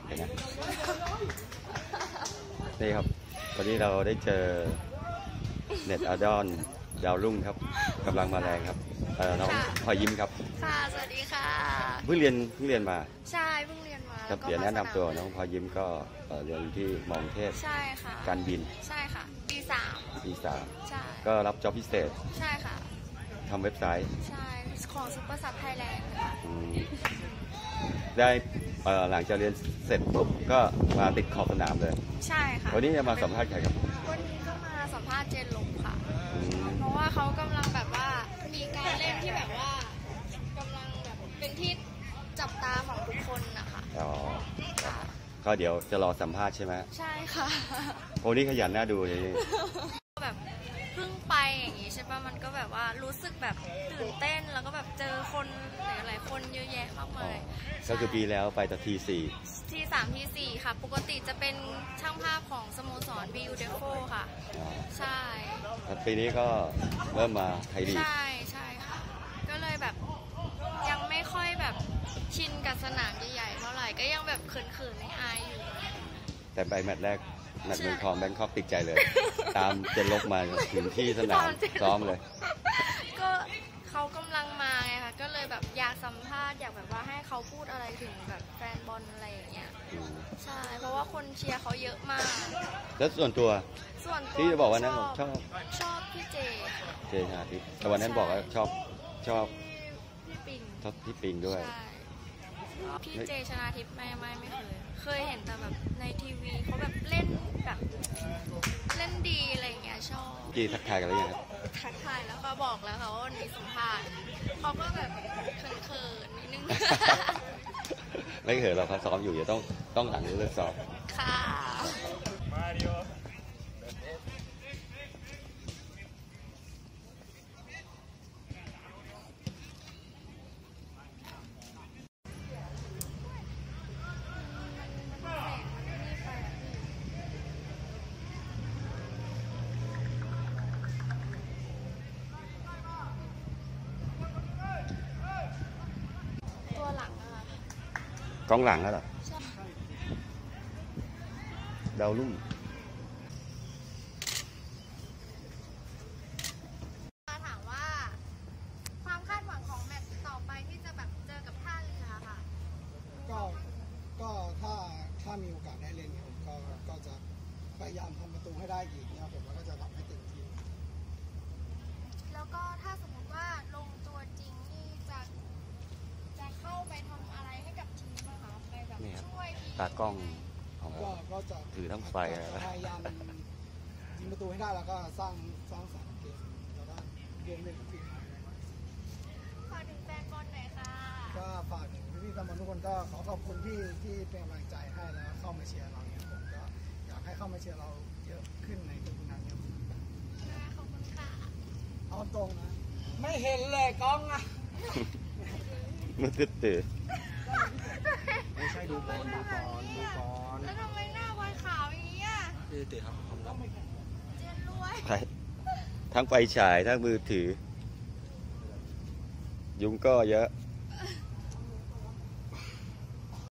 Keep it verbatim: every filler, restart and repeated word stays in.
เห็นไหมนี่ครับวันนี้เราได้เจอเน็ตอาดอนดาวรุ่งครับกำลังมาแรงครับน้องพลอยยิ้มครับค่ะสวัสดีค่ะเพิ่งเรียนเพิ่งเรียนมาใช่เพิ่งเรียนมาครับเดี๋ยวแนะนำตัวน้องพลอยยิ้มก็เรียนที่มอเทพใช่ค่ะการบินใช่ค่ะปีสามปีสามใช่ก็รับจ็อบพิเศษใช่ค่ะทำเว็บไซต์ใช่ของซุปเปอร์ซับไทยแลนด์ค่ะได้หลังจากเรียนเสร็จปุ๊บก็มาติดขอบสนามเลยใช่ค่ะวันนี้จะมาสัมภาษณ์ใครครับวันนี้ก็มาสัมภาษณ์เจนลงค่ะเพราะว่าเขากำลังแบบว่ามีการเล่นที่แบบว่ากำลังแบบเป็นที่จับตาของทุกคนนะคะอ๋อก็เดี๋ยวจะรอสัมภาษณ์ใช่ไหมใช่ค่ะโอ้นี่ขยันน่าดูเลยแบบเพิ่งไปอย่างงี้ใช่ป่ะมันก็แบบว่ารู้สึกแบบตื่นเต้นแล้วก็แบบเจอคนหลายๆคนเยอะแยะมากมายก็คือปีแล้วไปแต่ทีสี่ทีสามทีสี่ค่ะปกติจะเป็นช่างภาพของสโมสร บี ยู เดโฟ ค่ะใช่ปีนี้ก็เริ่มมาไทยลีกใช่ใช่ค่ะก็เลยแบบยังไม่ค่อยแบบชินกับสนามใหญ่ๆเท่าไหร่ก็ยังแบบเขินๆในอายอยู่แต่ไปแมตช์แรกแมตช์เมืองทองแบงคอกติดใจเลยตามเจนลบมาถึงที่สนามซ้อมเลยก็เขากำลังมาไงค่ะก็เลยแบบอยากสัมภาษณ์อยากแบบว่าให้เขาพูดอะไรถึงแบบแฟนบอลอะไรอย่างเงี้ยใช่เพราะว่าคนเชียร์เขาเยอะมากแล้วส่วนตัวส่วนตัวที่จะบอกว่านั้นชอบชอบพี่เจค่ะเจชาทิพย์แต่วันนั้นบอกว่าชอบชอบพี่ปิงชอบพี่ปิงด้วยพี่เจชนาทิพย์ไม่ไม่ไม่เคยเคยเห็นแต่แบบในทีวีเขาแบบเล่นแบบเล่นดีอะไรอย่างเงี้ยชอบกี่ทักทายกันหรือยังทักทายแล้วเขาบอกแล้วค่ะว่าวันนี้สัมภาษณ์เขาก็แบบเขินๆนิดนึงไม่เขินเราเขาซ้อมอยู่อย่าต้องต้องหลังเลิกซ้อมค่ะกองหลังแล้วเหรอดาวรุ่งถามว่าความคาดหวังของแมตช์ต่อไปที่จะแบบเจอกับท่าเรือค่ะก็ก็ถ้าถ้ามีโอกาสได้เล่นผมก็ก็จะพยายามทำประตูให้ได้อีกนะผมก็จะทำให้เต็มที่แล้วก็ถ้าสมมติว่าลงตัวจริงนี่จะจะเข้าไปทำอะไรให้กับทีมนะคะไปแบบช่วยตากล้องของก็จะถือทั้งไฟพยายามยิงประตูให้ได้แล้วก็สร้างสร้างสรรค์เกมแล้วก็เกมเล่นของทีมฝากถึงแฟนบอลหน่อยค่ะก็ฝากถึงพี่ๆแฟนบอลทุกคนก็ขอขอบคุณที่ที่เป็นกำลังใจให้แล้วเข้ามาเชียร์เราเนี่ยผมก็อยากให้เข้ามาเชียร์เราเยอะขึ้นในทุกๆนัดครับขอบคุณค่ะเอาตรงนะไม่เห็นเลยกล้องอะมันตื่นตื่นไม่ใช่ดูบอลดูบอลดูบอลแล้วทำไมหน้าบอลขาวอย่างนี้อ่ะตื่นตื่นครับความรักเจนรวยทั้งไฟฉายทั้งมือถือยุงก็เยอะ